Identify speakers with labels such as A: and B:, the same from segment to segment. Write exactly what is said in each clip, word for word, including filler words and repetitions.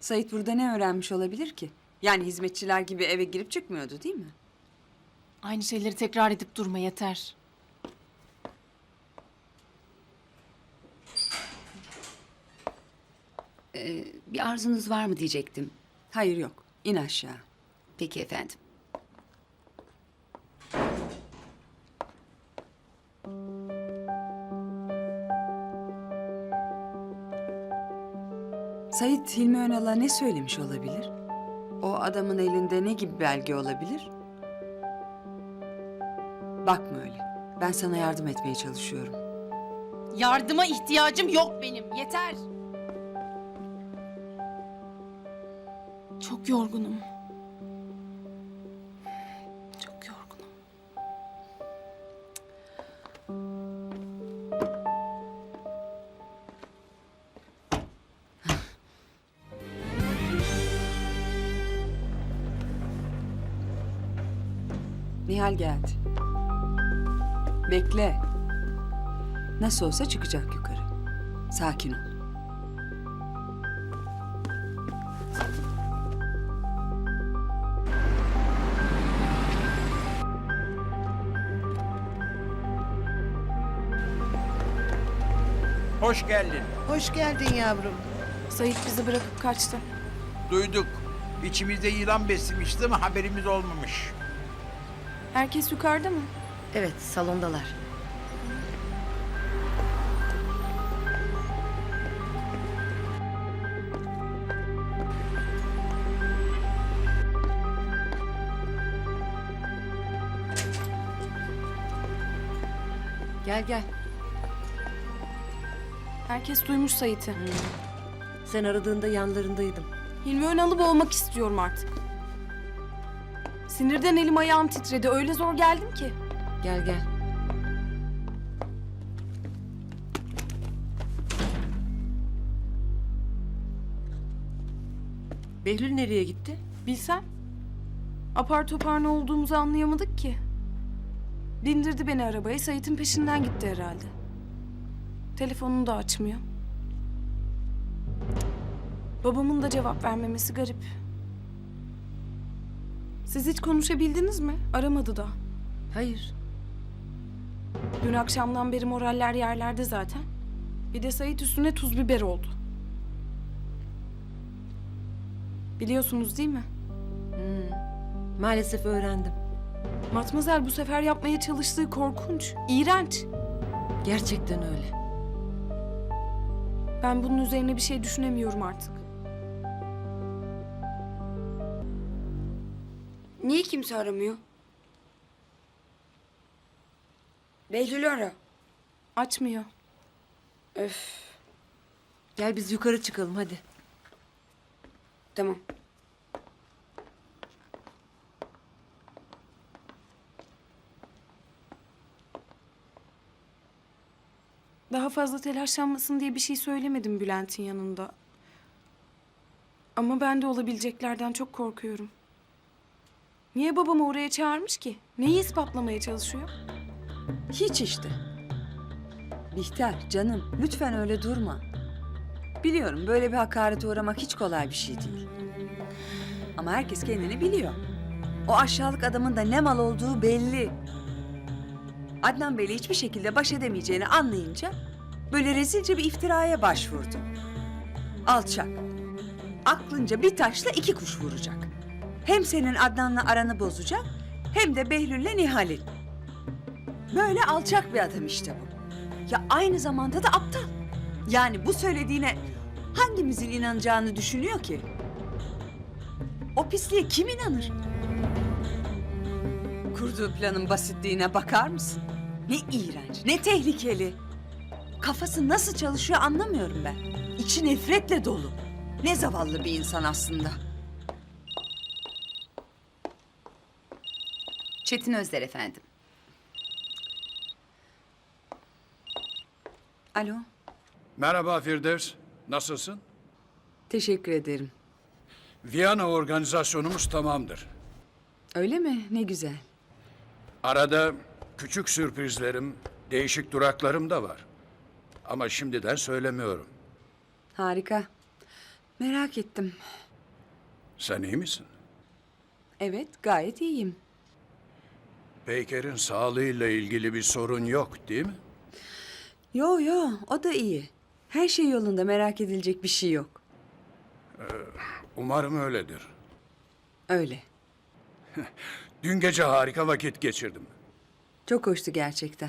A: Sait burada ne öğrenmiş olabilir ki? Yani hizmetçiler gibi eve girip çıkmıyordu değil mi?
B: Aynı şeyleri tekrar edip durma yeter.
C: Ee, bir arzunuz var mı diyecektim.
A: Hayır yok. İn aşağı.
C: Peki efendim.
A: Sait Hilmi Önal'a ne söylemiş olabilir? O adamın elinde ne gibi belge olabilir? Bakma öyle. Ben sana yardım etmeye çalışıyorum.
B: Yardıma ihtiyacım yok benim. Yeter. Çok yorgunum. Çok yorgunum.
A: Nihal geldi. Bekle. Nasıl olsa çıkacak yukarı. Sakin ol.
D: Hoş geldin.
E: Hoş geldin yavrum.
B: Sait bizi bırakıp kaçtı.
D: Duyduk. İçimizde yılan beslemişti ama haberimiz olmamış.
B: Herkes yukarıda mı?
C: Evet, salondalar. Gel gel.
B: Herkes duymuş Sait'i.
C: Sen aradığında yanlarındaydım.
B: Hilmi Önal'ı boğmak istiyorum artık. Sinirden elim ayağım titredi. Öyle zor geldim ki.
C: Gel gel. Behlül nereye gitti?
B: Bilsem. Apar topar ne olduğumuzu anlayamadık ki. Bindirdi beni arabaya. Sait'in peşinden gitti herhalde. Telefonunu da açmıyor. Babamın da cevap vermemesi garip. Siz hiç konuşabildiniz mi? Aramadı da.
C: Hayır.
B: Dün akşamdan beri moraller yerlerde zaten. Bir de Sait üstüne tuz biber oldu. Biliyorsunuz değil mi?
C: Maalesef öğrendim.
B: Matmazel bu sefer yapmaya çalıştığı korkunç, iğrenç.
C: Gerçekten öyle.
B: Ben bunun üzerine bir şey düşünemiyorum artık.
F: Niye kimse aramıyor? Behlül'ü ara.
B: Açmıyor.
F: Öf,
C: Gel biz yukarı çıkalım hadi.
F: tamam.
B: Daha fazla telaşlanmasın diye bir şey söylemedim Bülent'in yanında. Ama ben de olabileceklerden çok korkuyorum. Niye babamı oraya çağırmış ki? Neyi ispatlamaya çalışıyor?
A: Hiç işte. Bihter, canım, lütfen öyle durma. Biliyorum böyle bir hakarete uğramak hiç kolay bir şey değil. Ama herkes kendini biliyor. O aşağılık adamın da ne mal olduğu belli. Adnan Bey'le hiçbir şekilde baş edemeyeceğini anlayınca böyle rezilce bir iftiraya başvurdu. Alçak. Aklınca bir taşla iki kuş vuracak. Hem senin Adnan'la aranı bozacak hem de Behlül'le Nihal'in. Böyle alçak bir adam işte bu. Ya aynı zamanda da aptal. Yani bu söylediğine hangimizin inanacağını düşünüyor ki? O pisliğe kim inanır? Kurduğu planın basitliğine bakar mısın? Ne iğrenç, ne tehlikeli. Kafası nasıl çalışıyor anlamıyorum ben. İçi nefretle dolu. Ne zavallı bir insan aslında.
C: Çetin Özder efendim.
A: Alo,
G: Merhaba Firdevs, nasılsın?
A: teşekkür ederim.
G: Viyana organizasyonumuz tamamdır.
A: Öyle mi? Ne güzel.
G: Arada küçük sürprizlerim, değişik duraklarım da var. Ama şimdiden söylemiyorum.
A: Harika. Merak ettim.
G: Sen iyi misin?
A: Evet, gayet iyiyim.
G: Peyker'in sağlığıyla ilgili bir sorun yok değil mi?
A: Yo yo, o da iyi. Her şey yolunda, merak edilecek bir şey yok.
G: Umarım öyledir.
A: Öyle.
G: Dün gece harika vakit geçirdim.
A: Çok hoştu gerçekten.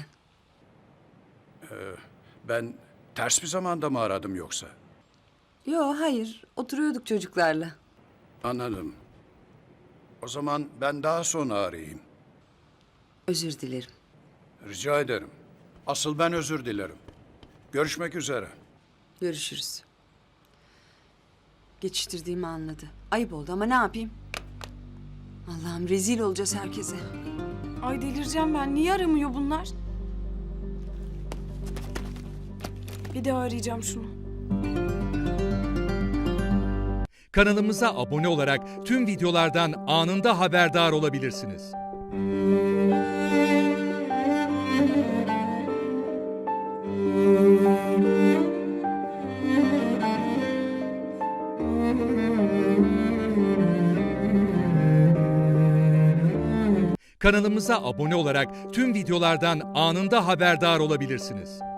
G: Ben ters bir zamanda mı aradım yoksa?
A: Yo hayır, oturuyorduk çocuklarla.
G: Anladım. O zaman ben daha sonra arayayım.
A: Özür dilerim.
G: Rica ederim. Asıl ben özür dilerim. Görüşmek üzere.
A: Görüşürüz. Geçiştirdiğimi anladı. Ayıp oldu ama ne yapayım? Allah'ım rezil olacağız herkese.
B: Ay delireceğim ben. Niye aramıyor bunlar? Bir daha arayacağım şunu.
E: Kanalımıza abone olarak tüm videolardan anında haberdar olabilirsiniz. Kanalımıza abone olarak tüm videolardan anında haberdar olabilirsiniz.